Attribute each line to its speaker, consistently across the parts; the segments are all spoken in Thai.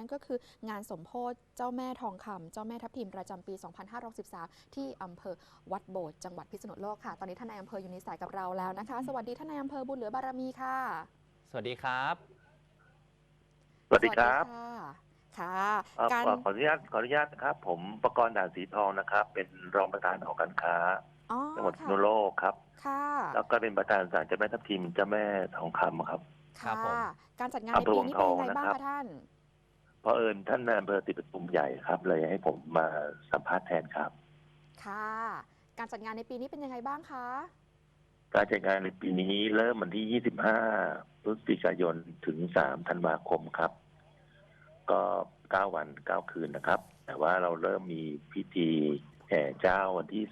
Speaker 1: นั่นก็คืองานสมโภชเจ้าแม่ทองคำเจ้าแม่ทับทิมประจำปี 2513 ที่อำเภอวัดโบสถ์จังหวัดพิษณุโลกค่ะตอนนี้ท่านนายอำเภออยู่ในสายกับเราแล้วนะคะสวัสดีท่านนายอำเภอบุญเหลือบารมีค่ะ
Speaker 2: สวัสดีครับ
Speaker 3: สวัส
Speaker 1: สวัสดี
Speaker 3: ดีครับ
Speaker 1: ค่ะค่ะการ
Speaker 3: ขออนุญาตนะครับ ผมประกรณ์ด่านสีทองนะครับ เป็นรองประธานหอการค้า
Speaker 1: อ๋อ
Speaker 3: จังหวัดพิษ
Speaker 1: ค่ะ
Speaker 3: ณุโลกครับ
Speaker 1: ค่ะ
Speaker 3: แล้วก็เป็นประธานศาลเจ้าแม่ทับทิมเจ้าแม่ทองคำครับ
Speaker 2: ครับ
Speaker 1: ค่ะ
Speaker 2: ผม
Speaker 1: การจัดงานใน
Speaker 3: อำเภอ
Speaker 1: ปี
Speaker 3: วังทอง
Speaker 1: นี้เป็นยังไงบ้าง
Speaker 3: นะครับ
Speaker 1: คะท่าน
Speaker 3: เพราะเอิญท่านนายอำเภอติดประชุมใหญ่ครับ เลยให้ผมมาสัมภาษณ์แทนครับ
Speaker 1: ค่ะการจัดงานในปีนี้เป็นยังไงบ้างคะ
Speaker 3: การจัดงานในปีนี้เริ่มวันที่ 25 พฤศจิกายนถึง 3 ธันวาคมครับ ก็ 9 วัน 9 คืนนะครับ แต่ว่าเราเริ่มมีพิธีแห่เจ้าวันที่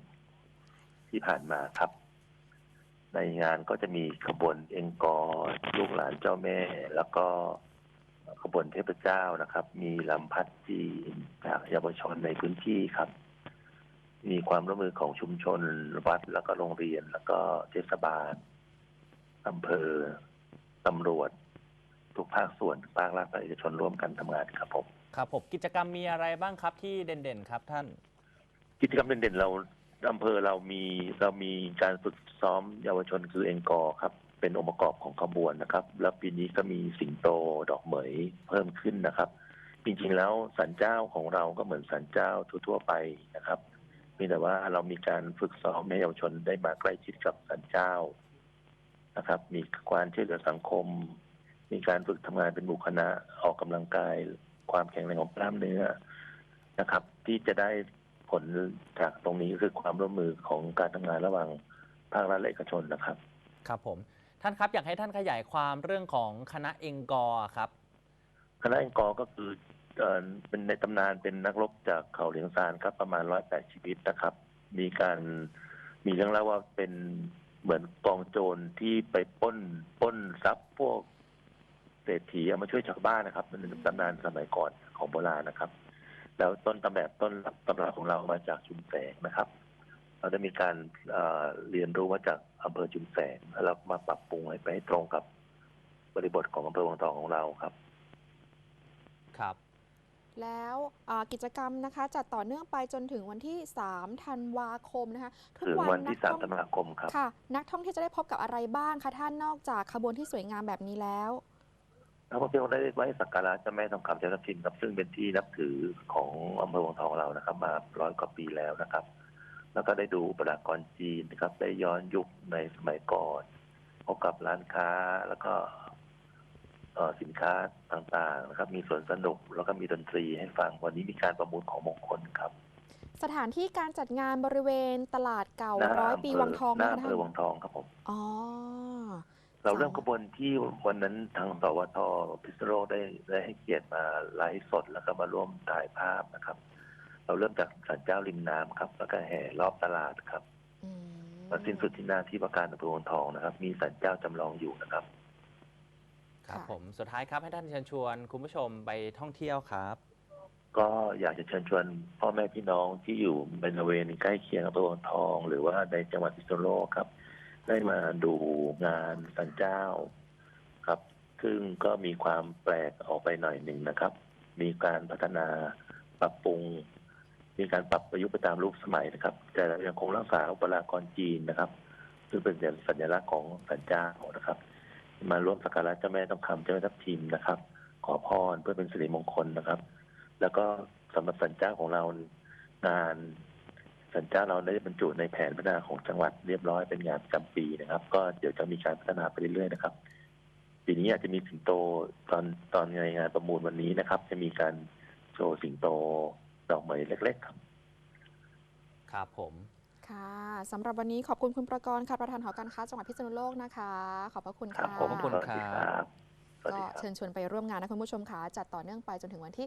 Speaker 3: 30 ที่ผ่านมาครับ ในงานก็จะมีขบวนเอ็งกอร์ลูกหลานเจ้าแม่ แล้วก็ขบวนเทพเจ้านะครับ มีลำพัดจีนจากเยาวชนในพื้นที่ครับ มีความร่วมมือของชุมชนวัดแล้วก็โรงเรียน แล้วก็เทศบาลอำเภอตำรวจทุกภาคส่วนภาครัฐและเอกชนร่วมกันทำงานครับผม
Speaker 2: ครับผมกิจกรรมมีอะไรบ้างครับที่เด่นๆครับท่าน
Speaker 3: กิจกรรมเด่นๆเราอำเภอเรามีการฝึกซ้อมเยาวชนคือเอ็งกอร์ครับ เป็นองค์ประกอบของขบวนนะครับ แล้วปีนี้ก็มีสิงโตดอกเหมยเพิ่มขึ้นนะครับ จริงๆแล้วศาลเจ้าของเราก็เหมือนศาลเจ้าทั่วๆไปนะครับเพียงแต่ว่าเรามีการฝึกซ้อมให้เยาวชนได้มาใกล้ชิดกับศาลเจ้านะครับ มีการช่วยเหลือสังคม มีการฝึกทำงานเป็นหมู่คณะออกกำลังกายความแข็งแรงของกล้ามเนื้อนะครับ ที่จะได้ผลจากตรงนี้คือความร่วมมือของการทำงานระหว่างภาครัฐและเอกชนนะครับ
Speaker 2: ครับผมท่านครับอยากให้ท่านขยายความเรื่องของคณะเอ็งกอร์ครับ
Speaker 3: คณะเอ็งกอร์ก็คือเป็นในตำนานเป็นนักรบจากเขาเหลียงซานครับประมาณ108 ชีวิตนะครับ มีเรื่องเล่าว่าเป็นเหมือนกองโจรที่ไปปล้นทรัพย์พวกเศรษฐีเอามาช่วยชาวบ้านนะครับมันเป็นตำนานสมัยก่อนของโบราณนะครับ แล้วต้นตำรับของเรามาจากชุมแสงนะครับ เราได้มีการเรียนรู้มาจากอำเภอชุมแสงแล้วเรามาปรับปรุงให้ไปให้ตรงกับบริบทของอำเภอวังทองของเราครับ
Speaker 2: ครับ
Speaker 1: แล้วกิจกรรมนะคะจัดต่อเนื่องไปจนถึงวันที่ 3 ธันวาคมนะคะทุก
Speaker 3: ถึง
Speaker 1: วัน
Speaker 3: วันที่
Speaker 1: นักท่อง
Speaker 3: 3 ธันวาคมครับ
Speaker 1: ค่ะนักท่องเที่ยวจะได้พบกับอะไรบ้างคะท่านนอกจากขบวนที่สวยงามแบบนี้แล้ว
Speaker 3: นักท่องเที่ยวได้ไว้สักการะเจ้าแม่ทองคำเจ้าทับทิมครับซึ่งเป็นที่นับถือของอำเภอวังทองเรานะครับ มา100 กว่าปีแล้วนะครับ แล้วก็ได้ดูประวัติกรจีนนะครับ ได้ย้อนยุคในสมัยก่อนพบกับร้านค้าแล้วก็สินค้าต่างๆนะครับ มีสวนสนุกแล้วก็มีดนตรีให้ฟังวันนี้มีการประมูลของมงคลครับ
Speaker 1: สถานที่การจัดงานบริเวณตลาดเก่า
Speaker 3: หน้า
Speaker 1: ร้อยปีวังทอง
Speaker 3: หน้า
Speaker 1: นะคะ
Speaker 3: อำเภ
Speaker 1: ท่าน
Speaker 3: อวังทองครับผม
Speaker 1: อ๋อ
Speaker 3: เราเริ่มขบวนที่วันนั้นทางสวทพิษณุโลกได้ให้เกียรติมาไลฟ์สดแล้วก็มาร่วมถ่ายภาพนะครับ เราเริ่มจากศาลเจ้าริมน้ำครับ แล้วก็แห่รอบตลาดครับมาสิ้นสุดที่หน้าที่ว่าการอำเภอวังทองนะครับ มีศาลเจ้าจำลองอยู่นะครับ
Speaker 2: ครับผมสุดท้ายครับให้ท่านเชิญชวนคุณผู้ชมไปท่องเที่ยวครับ
Speaker 3: ก็อยากจะเชิญชวนพ่อแม่พี่น้องที่อยู่บริเวณใกล้เคียงอำเภอวังทอง หรือว่าในจังหวัดพิษณุโลกครับ ได้มาดูงานศาลเจ้าครับ ซึ่งก็มีความแปลกออกไปหน่อยหนึ่งนะครับ มีการพัฒนาปรับปรุง มีการปรับประยุกต์ไปตามรูปสมัยนะครับ แต่ยังคงรักษาอุปรากรจีนนะครับ ซึ่งเป็นสัญลักษณ์ของศาลเจ้านะครับ มาร่วมสักการะเจ้าแม่ทองคำเจ้าแม่ทับทิมนะครับ ขอพรเพื่อเป็นสิริมงคลนะครับ แล้วก็สำหรับศาลเจ้าของเรางานศาลเจ้าเราได้บรรจุในแผนพัฒนาของจังหวัดเรียบร้อยเป็นงานประจำปีนะครับ ก็เดี๋ยวจะมีการพัฒนาไปเรื่อยๆนะครับปีนี้อาจจะมีสิงโตตอนในงานประมูลวันนี้นะครับ จะมีการโชว์สิงโตดอกไม้เล็กๆครับ
Speaker 2: ครับผม
Speaker 1: ค่ะสำหรับวันนี้ขอบคุณคุณประกรณ์ค่ะประธานหอการค้าจังหวัดพิษณุโลกนะคะขอบพระคุณ
Speaker 3: ครับ
Speaker 1: ค่ะ
Speaker 3: ผม
Speaker 2: ขอบคุณครับ
Speaker 1: ก็เชิญชวนไปร่วมงานนะคุณผู้ชมค่ะจัดต่อเนื่องไปจนถึงวันที่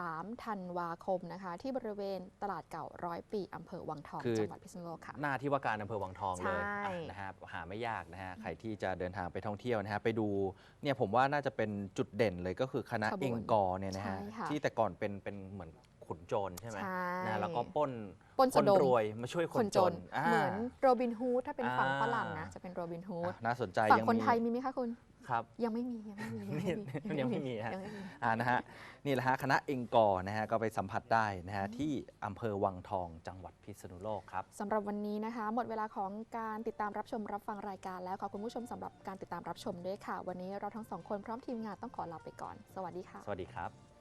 Speaker 1: 3 ธันวาคมนะคะ ที่บริเวณตลาดเก่า100 ปีอำเภอวังทองจังหวัดพิษณุโลกค่ะ
Speaker 2: หน้าที่ว่าการอำเภอวังทองเลย
Speaker 1: ใช่
Speaker 2: นะฮะหาไม่ยากนะฮะใครที่จะเดินทางไปท่องเที่ยวนะฮะไปดูเนี่ยผมว่าน่าจะเป็นจุดเด่นเลยก็คือคณะเอ็งกอร์เนี่ยนะฮะ
Speaker 1: ใช่ค่ะ
Speaker 2: ที่แต่ก่อนเป็นเหมือนขุนโจรใช่ไหม
Speaker 1: ใช่
Speaker 2: นะแล้วก็ปล้น
Speaker 1: สะดม
Speaker 2: รวยมาช่วยคนจน
Speaker 1: เหมือนโรบินฮูดถ้าเป็นฝั่งฝรั่งนะจะเป็นโรบินฮูด
Speaker 2: น่าสนใจ
Speaker 1: ฝั่ง
Speaker 2: ยัง
Speaker 1: คน
Speaker 2: มี
Speaker 1: ไทยมีไหมคะคุณ
Speaker 2: ครับ
Speaker 1: ยังไม่มียังไม่มี
Speaker 2: ยังไม่มีฮะ
Speaker 1: ยังไม่มี
Speaker 2: นะฮะนี่แหละฮะคณะเองกอร์นะฮะก็ไปสัมผัสได้นะฮะที่อำเภอวังทองจังหวัดพิษณุโลกครับ
Speaker 1: สำหรับวันนี้นะคะ หมดเวลาของการติดตามรับชมรับฟังรายการแล้วขอบคุณผู้ชมสำหรับการติดตามรับชมด้วยค่ะ วันนี้เราทั้งสองคนพร้อมทีมงานต้องขอลาไปก่อน สวัสดีค่ะ
Speaker 2: สวัสดีครับ